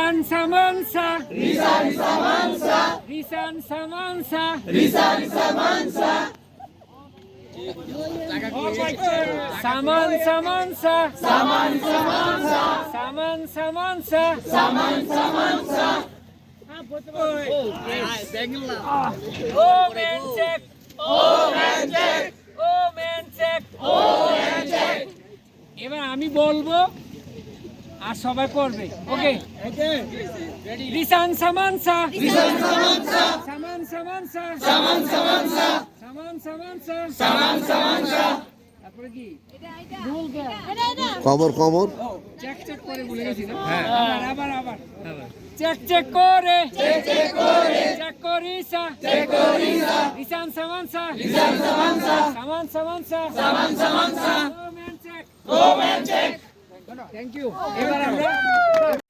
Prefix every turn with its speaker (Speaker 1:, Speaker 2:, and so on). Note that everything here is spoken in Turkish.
Speaker 1: Risan Samansa.
Speaker 2: Risan Samansa.
Speaker 1: Risan Samansa.
Speaker 2: Risan Samansa.
Speaker 1: Saman Samansa.
Speaker 2: Saman Samansa.
Speaker 1: Saman Samansa.
Speaker 2: Saman Samansa.
Speaker 1: Oh man check.
Speaker 2: Oh man check.
Speaker 1: Oh man check.
Speaker 2: Oh man check.
Speaker 1: এবার আমি বলবো আর সবাই করবে ওকে রিসান সামানসা
Speaker 2: Risan Samansa.
Speaker 1: সামান সামানসা
Speaker 2: Saman Samansa.
Speaker 1: সামান সামানসা
Speaker 2: Saman Samansa.
Speaker 1: তারপরে কি
Speaker 3: কবর কবর
Speaker 1: চেক চেক করে বলে গেছি না আবার আবার চেক চেক করে
Speaker 2: Check check kore.
Speaker 1: চেক করিসা
Speaker 2: Check korisa.
Speaker 1: রিসান সামানসা
Speaker 2: Risan Samansa.
Speaker 1: সামান সামানসা
Speaker 2: Saman Samansa.
Speaker 1: ও man check
Speaker 2: Go man check.
Speaker 1: Thank you এবার আমরা